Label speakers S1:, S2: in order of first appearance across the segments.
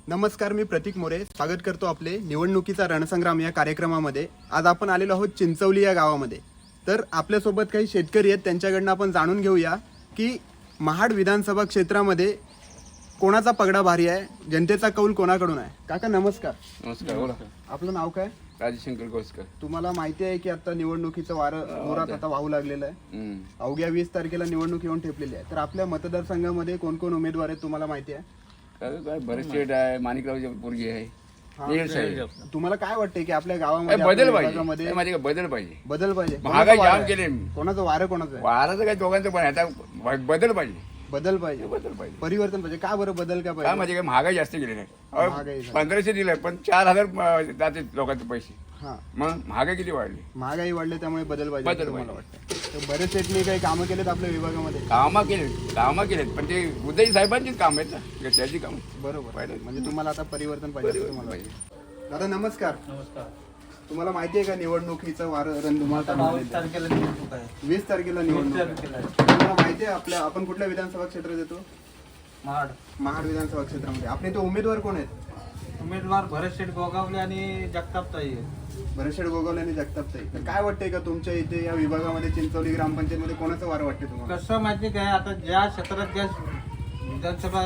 S1: नमस्कार, मी प्रतीक मोरे स्वागत करतो आपले निवडणुकीचा रणसंग्राम या कार्यक्रमामध्ये. आज आपण आलेलो आहोत चिंचवली या गावामध्ये. तर आपल्यासोबत काही शेतकरी आहेत, त्यांच्याकडनं आपण जाणून घेऊया की महाड विधानसभा क्षेत्रामध्ये कोणाचा पगडा भारी आहे, जनतेचा कौल कोणाकडून आहे. काका नमस्कार.
S2: नमस्कार. बोला.
S1: आपलं नाव काय?
S2: राजशंकर गोस्कर.
S1: तुम्हाला माहिती आहे की आता निवडणुकीचं वारं जोरात आता वाहू लागलेलं आहे. अवघ्या 20 तारखेला निवडणूक येऊन ठेपलेली आहे. तर आपल्या मतदारसंघामध्ये कोण कोण उमेदवार आहेत तुम्हाला माहिती आहे?
S2: काय बरेच शेड आहे, माणिकराव पोरगी आहे.
S1: तुम्हाला काय वाटतंय की आपल्या गावामध्ये
S2: बदल
S1: आपल्या
S2: पाहिजे.
S1: विभागामध्ये
S2: माझे बदल पाहिजे.
S1: बदल पाहिजे?
S2: महागाई
S1: कोणाचं वारं
S2: जाम
S1: आहे?
S2: केले.
S1: कोणाचं वारं कोणाचं आहे?
S2: वाराचं काय दोघांचं पण आहे. आता बदल पाहिजे.
S1: बदल पाहिजे,
S2: बदल पाहिजे.
S1: परिवर्तन पाहिजे. का बरं बदल का
S2: काय
S1: पाहिजे?
S2: म्हणजे काय महागाई जास्त गेली नाही.
S1: महागाई झाली.
S2: 1500 दिलंय पण 4000 जाते लोकांचे पैसे.
S1: हा,
S2: मग महागाई किती वाढली.
S1: महागाई वाढली त्यामुळे बदल पाहिजे
S2: बदल
S1: असं तुम्हाला
S2: पाहिजे.
S1: वाटतं. तर बरेच शेतकरी काही कामं केलेत आपल्या विभागामध्ये.
S2: कामं केलेत पण ते उदय साहेबांचीच काम आहेत ना, त्याची काम.
S1: बरोबर.
S2: पाहिजे.
S1: म्हणजे तुम्हाला आता परिवर्तन पाहिजे असं तुम्हाला
S2: पाहिजे.
S1: वाटतं. दादा नमस्कार.
S3: नमस्कार.
S1: तुम्हाला माहिती आहे का निवडणुकीचं वारं रणधुमाळ चालू
S3: 22
S1: झालेलं आहे?
S3: तारखेला निवडणूक आहे.
S1: 20 तारखेला निवडणूक आहे.
S3: तारखेला आहे.
S1: तुम्हाला माहिती आहे आपण कुठल्या विधानसभा क्षेत्रात येतो?
S3: महाड.
S1: महाड विधानसभा क्षेत्रामध्ये आपले इथे उमेदवार कोण आहेत?
S3: उमेदवार भरत शेठ गोगावले आणि जगताप ताई आहे.
S1: भरतशेठ गोगावले आणि जगतापताई. तर काय वाटतंय का तुमच्या इथे या विभागामध्ये चिंचवली ग्रामपंचायतमध्ये कोणाचं वारं वाटते तुम्हाला?
S3: कसं माहिती काय, आता ज्या क्षेत्रात ज्या विधानसभा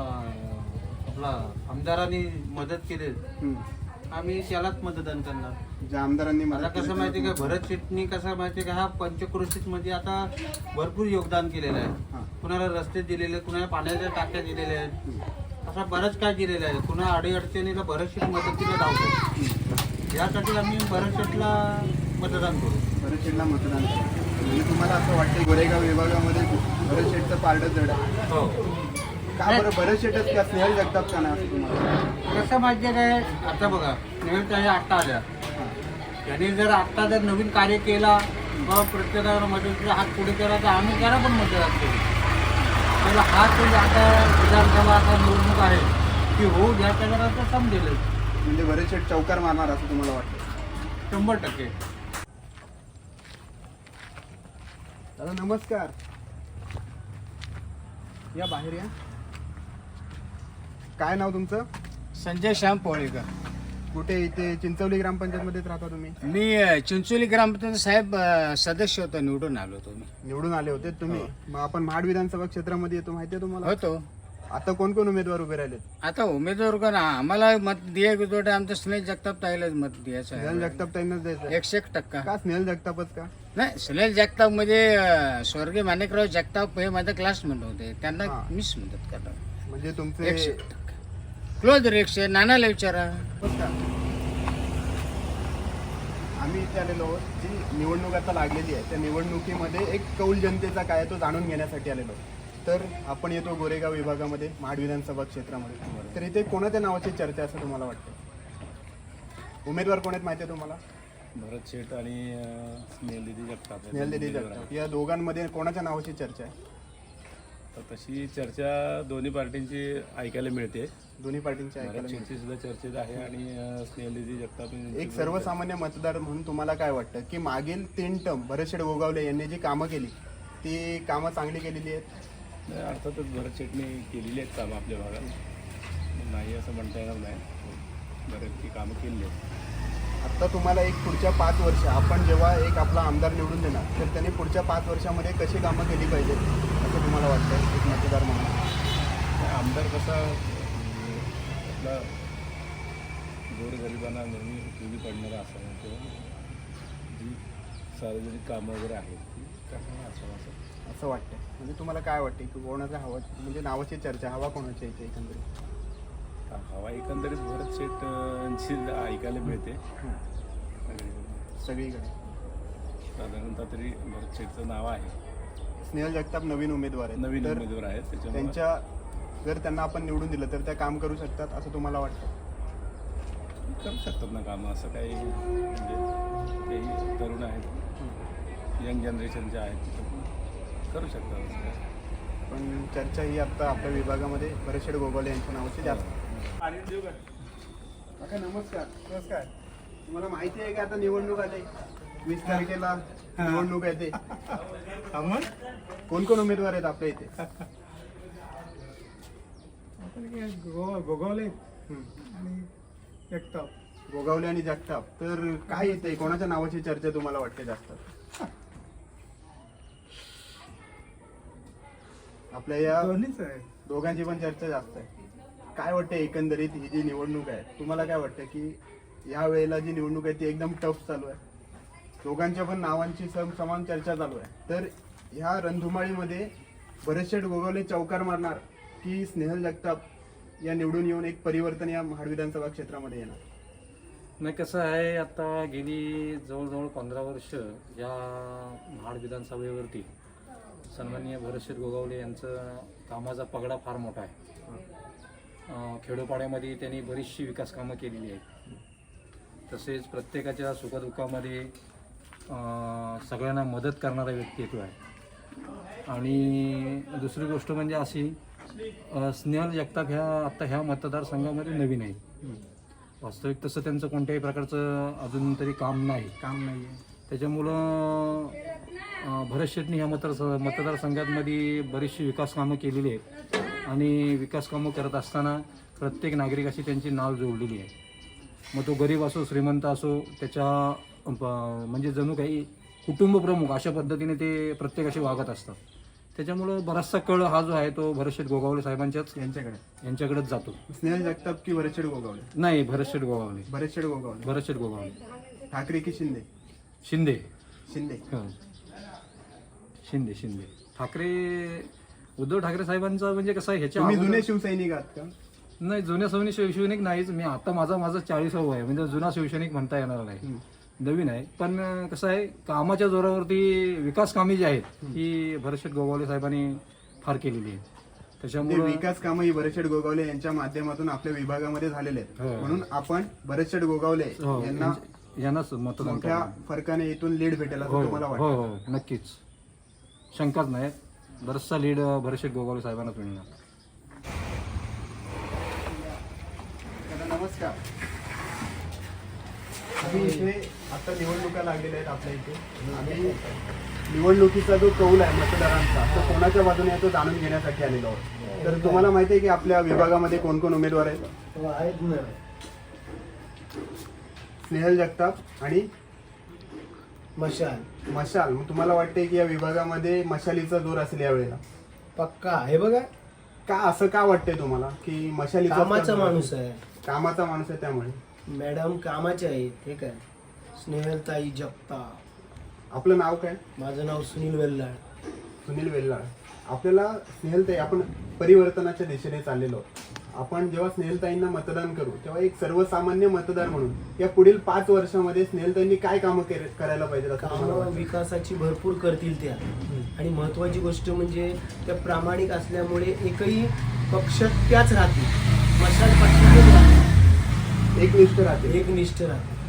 S3: आपला आमदारांनी मदत केली
S1: हम्म.
S3: आम्ही त्यालाच मतदान करणार.
S1: ज्या आमदारांनी
S3: मला
S1: मदत
S3: कसं
S1: केली
S3: माहिती
S1: त्यांना
S3: काय, भरत शेठनी कसं माहिती का, हा पंचक्रोशीत मध्ये आता भरपूर योगदान केलेलं
S1: हा.
S3: आहे. कुणाला रस्ते दिलेले, कुणाला पाण्याच्या टाक्या दिलेल्या आहेत, असा बरंच काय दिलेलं आहे. कुणा अडीअडचणीला भरत शेठ मदतीला धावतो. यासाठी आम्ही भरत शेठला मतदान करू.
S1: भरतशेठला मतदान करा. म्हणजे तुम्हाला असं वाटतं गोरेगाव विभागामध्ये भरतशेठचं पारडं जड आहे?
S3: हो.
S1: का बरं भरतशेठच का स्नेहल जगताप का नाही असं तुम्हाला?
S3: कसं माहिती काय, आता बघा नवीन काही आत्ता आल्या, त्यांनी जर आत्ता जर नवीन कार्य केला व प्रत्येकाला मदतीचा हात पुढे केला तर आम्ही त्याला पण मतदान करू. त्याला हात म्हणजे आता विधानसभा आता निवडणूक आहे की हो द्या, त्याला आता समजेल.
S1: म्हणजे भरतशेठ चौकार मारणार असं तुम्हाला वाटतं?
S3: 100%.
S1: दादा नमस्कार. या बाहेर या. काय नाव तुमचं?
S4: संजय श्याम पोळेकर.
S1: कुठे? इथे चिंचवली ग्रामपंचायतमध्येच राहता तुम्ही?
S4: मी चिंचोली ग्रामपंचायत साहेब सदस्य होतो, निवडून आलो होतो मी.
S1: निवडून आले होते तुम्ही? मग आपण महाड विधानसभा क्षेत्रामध्ये येतो, माहिती आहे तुम्हाला?
S4: होतो.
S1: आता कोण कोण उमेदवार उभे राहिलेत?
S4: आता उमेदवार कोण, आम्हाला मत द्यायचं होतं, आमचं स्नेहल जगताप ताईलाच मत द्यायचं
S1: स्नेहल
S4: आहे.
S1: जगताप ताईंनाच द्यायचं?
S4: 101%.
S1: का स्नेहल जगतापच का?
S4: नाही, स्नेहल जगताप म्हणजे स्वर्गीय माणिकराव जगताप हे माझ्या क्लासमेट होते, त्यांना
S1: हा.
S4: मीच मदत करणार.
S1: म्हणजे तुमचे
S4: 101%. क्लोज रिक्षा नानाला विचारा.
S1: आम्ही इथे आलेलो आहोत. जी निवडणूक आता लागलेली आहे त्या निवडणुकीमध्ये एक कौल जनतेचा काय आहे तो जाणून घेण्यासाठी आलेलो आहोत. तर आपण येतो गोरेगाव विभागामध्ये महाड विधानसभा क्षेत्रामध्ये. तर इथे कोणाच्या नावाची चर्चा असं तुम्हाला वाटतं? उमेदवार कोण आहेत माहिती आहे तुम्हाला?
S5: भरत शेठ आणि स्नेहलदीदी जगताप.
S1: स्नेहलदीदी जगताप. या दोघांमध्ये कोणाच्या नावाची चर्चा आहे?
S5: तर तशी चर्चा दोन्ही पार्टींची ऐकायला मिळते.
S1: दोन्ही पार्टींच्या ऐकायला
S5: भरत
S1: मिळते.
S5: शेठची सुद्धा चर्चेत आहे आणि स्नेहलदीदी जगताप
S1: एक सर्वसामान्य मतदार म्हणून तुम्हाला काय वाटतं की मागील 3 टर्म भरतशेठ गोगावले यांनी जी कामं केली ती कामं चांगली केलेली आहेत?
S5: अर्थातच भरत शेठने केलेली आहेत कामं आपल्या भागात, नाही असं म्हणता येणार नाही. बऱ्यापैकी कामं केलेली आहेत.
S1: आता तुम्हाला एक पुढच्या 5 वर्ष आपण जेव्हा एक आपला आमदार निवडून देणार तर त्यांनी पुढच्या 5 वर्षामध्ये कशी कामं केली पाहिजे असं तुम्हाला वाटतं एक मतदार म्हणून?
S5: आमदार कसा आपला गोरगरिबांना नेहमी उपयोगी पडणारा असावा किंवा जी सार्वजनिक कामं वगैरे आहेत ती करणारा असावा
S1: असं वाटतं. म्हणजे तुम्हाला काय वाटते की कोणाचा हवा, म्हणजे नावाची चर्चा हवा कोणाची इथे एकंदरीत?
S5: हवा एकंदरीत भरत शेठची ऐकायला मिळते
S1: सगळीकडे.
S5: साधारणतः तरी भरत शेठचं नाव आहे.
S1: स्नेहल जगताप नवीन उमेदवार आहेत.
S5: नवीन
S1: तर
S5: उमेदवार आहेत त्याच्यामुळे
S1: त्यांच्या जर त्यांना आपण निवडून दिलं तर त्या काम करू शकतात असं तुम्हाला वाटतं?
S5: करू शकतात ना कामं, असं काही म्हणजे तेही तरुण आहेत, यंग जनरेशनचे आहेत, त्याच्यामुळे करू शकतात असं काही.
S1: पण चर्चा ही आता आपल्या विभागामध्ये भरतशेठ गोगावले यांच्या नावाची जास्त. काका नमस्कार. नमस्कार. तुम्हाला माहिती आहे का आता निवडणूक आली 20 तारखेला निवडणूक आहे ते? कोण कोण उमेदवार आहेत आपल्या इथे?
S6: गोगावले आणि जगताप.
S1: गोगावले आणि जगताप. तर काय येते, कोणाच्या नावाची चर्चा तुम्हाला वाटते जास्त आपल्या या
S6: दोन्हीच आहे.
S1: दोघांची पण चर्चा जास्त आहे. काय वाटतं एकंदरीत ही जी निवडणूक आहे, तुम्हाला काय वाटतं की या वेळेला जी निवडणूक आहे ती एकदम टफ चालू आहे, दोघांच्या पण नावांची समान चर्चा चालू आहे, तर ह्या रणधुमाळीमध्ये भरतशेठ गोगावले चौकार मारणार की स्नेहल जगताप या निवडून येऊन एक परिवर्तन या महाड विधानसभा क्षेत्रामध्ये येणार?
S7: नाही, कसं आहे, आता गेली जवळजवळ 15 वर्ष या महाड विधानसभेवरती सन्माननीय भरतशेठ गोगावले यांचं कामाचा पगडा फार मोठा आहे. खेडोपाड्यामध्ये त्यांनी बरीचशी विकास कामं केलेली आहेत. तसेच प्रत्येकाच्या सुखदुःखामध्ये सगळ्यांना मदत करणारा व्यक्तित्व आहे. आणि दुसरी गोष्ट म्हणजे अशी, स्नेहल जगताप ह्या मतदारसंघामध्ये नवीन आहे. वास्तविक तसं त्यांचं कोणत्याही प्रकारचं अजून तरी काम नाही आहे. त्याच्यामुळं भरतशेठनी ह्या मतदारसंघामध्ये बरीचशी विकास कामं केलेली आहेत. आणि विकास कामं करत असताना प्रत्येक नागरिकाशी त्यांची नाव जोडलेली आहे. मग तो गरीब असो श्रीमंत असो, त्याच्या म्हणजे जणू काही कुटुंब प्रमुख अशा पद्धतीने ते प्रत्येकाशी वागत असतात. त्याच्यामुळं बराचसा कळ हा जो आहे तो भरतशेठ गोगावले साहेबांच्याच यांच्याकडेच जातो.
S1: स्नेहल जगताप की भरतशेठ गोगावले?
S7: नाही, भरतशेठ गोगावले.
S1: भरतशेठ गोगावले. ठाकरे की शिंदे?
S7: शिंदे.
S1: शिंदे.
S7: शिंदे. उद्धव ठाकरे साहेबांचा म्हणजे कसं आहे, ह्याच्या
S1: तुम्ही
S7: अगोदर-
S1: जुने शिवसैनिक आहात का?
S7: नाही, जुन्या शिवसैनिक नाहीच मी. आता माझा 40वा आहे, म्हणजे जुना शिवसैनिक म्हणता येणार नाही, नवीन आहे. पण कसं आहे, कामाच्या जोरावरती विकास कामे जी आहेत ही भरतशेठ गोगावले साहेबांनी फार केलेली आहेत.
S1: ते
S7: त्याच्यामुळे
S1: विकास कामं ही भरतशेठ गोगावले यांच्या माध्यमातून आपल्या विभागामध्ये झालेले आहेत.
S7: हो.
S1: म्हणून आपण भरतशेठ गोगावले
S7: यांनाच मतदान
S1: मोठ्या
S7: करणार.
S1: फरकाने इथून लीड भेटेल असं
S7: हो
S1: तुम्हाला
S7: हो
S1: वाटतं?
S7: हो, नक्कीच, शंकाच नाही. बरचसा लीड भरतशेठ गोगावले साहेबांनाच मिळणार.
S1: दादा, नमस्कार. आम्ही इथे आता निवडणुका लागलेल्या आहेत आपल्या इथे. आम्ही निवडणुकीचा जो कौल आहे मतदारांचा, तो कोणाच्या बाजूने आहे तो जाणून घेण्यासाठी आलेलो आहोत. तर तुम्हाला माहिती आहे की आपल्या विभागामध्ये कोण कोण उमेदवार आहेत? स्नेहल जगताप आणि मशाल. मग तुम्हाला वाटतंय की या विभागामध्ये मशालीचा जोर असेल यावेळेला?
S8: पक्का हे बघा,
S1: का असं का वाटतंय तुम्हाला की मशालीचा
S8: कामाचा माणूस आहे.
S1: कामाचा माणूस आहे त्यामुळे?
S8: मॅडम कामाचे आहेत. हे काय, स्नेहलताई जगताप.
S1: आपलं नाव काय?
S8: माझं नाव सुनील वेल्लाड.
S1: सुनील वेल्लाळ. आपल्याला स्नेहलताई, आपण परिवर्तनाच्या दिशेने चाललेलो आहोत. आपण जेव्हा स्नेहलताईंना मतदान करू तेव्हा एक सर्वसामान्य मतदार म्हणून या पुढील 5 वर्षामध्ये स्नेहलताईंनी काय कामं करायला पाहिजे असं तुम्हाला
S8: कामं
S1: वाटतं?
S8: विकासाची भरपूर करतील त्या. आणि महत्वाची गोष्ट म्हणजे त्या प्रामाणिक असल्यामुळे एकही पक्षात त्याच राहतील. मशाल पक्षातच राहतील.
S1: एकनिष्ठ राहते.
S8: एकनिष्ठ राहतील.